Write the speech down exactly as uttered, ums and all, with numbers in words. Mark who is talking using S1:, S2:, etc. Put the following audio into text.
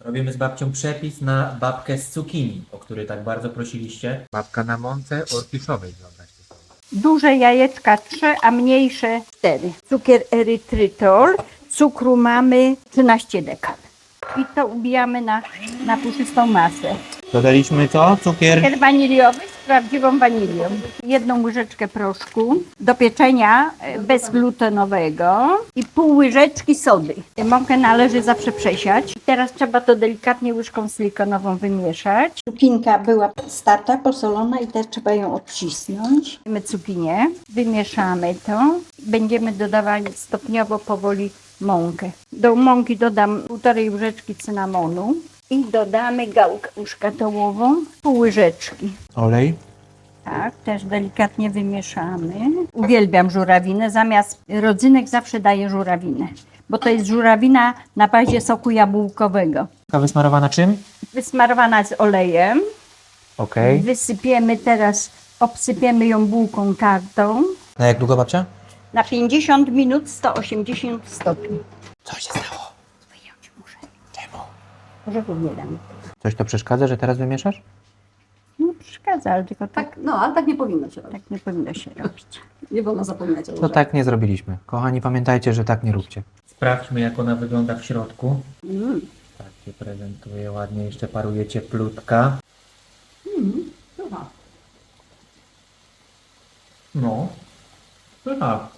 S1: Robimy z babcią przepis na babkę z cukinii, o który tak bardzo prosiliście. Babka na mące orkiszowej, wyobraźcie sobie.
S2: Duże jajeczka trzy, a mniejsze cztery. Cukier erytrytol, cukru mamy trzynaście dekan. I to ubijamy na, na puszystą masę.
S1: Dodaliśmy co? Cukier?
S2: Cukier waniliowy z prawdziwą wanilią. Jedną łyżeczkę proszku do pieczenia e, bezglutenowego i pół łyżeczki sody. Mąkę należy zawsze przesiać. Teraz trzeba to delikatnie łyżką silikonową wymieszać. Cukinka była starta, posolona i teraz trzeba ją odcisnąć. Mamy cukinię, wymieszamy to. Będziemy dodawali stopniowo, powoli mąkę. Do mąki dodam półtorej łyżeczki cynamonu. I dodamy gałkę muszkatołową, pół łyżeczki.
S1: Olej.
S2: Tak, też delikatnie wymieszamy. Uwielbiam żurawinę, zamiast rodzynek zawsze daję żurawinę, bo to jest żurawina na bazie soku jabłkowego.
S1: Wysmarowana czym?
S2: Wysmarowana z olejem.
S1: Okej.
S2: Wysypiemy teraz, obsypiemy ją bułką tartą.
S1: Na jak długo, babcia?
S2: Na pięćdziesiąt minut, sto osiemdziesiąt stopni.
S1: Co się stało?
S2: Wyjąć muszę.
S1: Czemu?
S2: Orzechów nie dam.
S1: Coś to przeszkadza, że teraz wymieszasz?
S2: No przeszkadza, ale tylko tak,
S3: Tak, no, ale tak nie powinno się robić.
S2: tak nie powinno się robić.
S3: Nie wolno zapominać o
S1: To
S3: łyżach.
S1: tak nie zrobiliśmy. Kochani, pamiętajcie, że tak nie róbcie. Sprawdźmy, jak ona wygląda w środku.
S3: Mm.
S1: Tak się prezentuje ładnie, jeszcze paruje cieplutka.
S3: Mm. Chyba.
S1: No. Tak.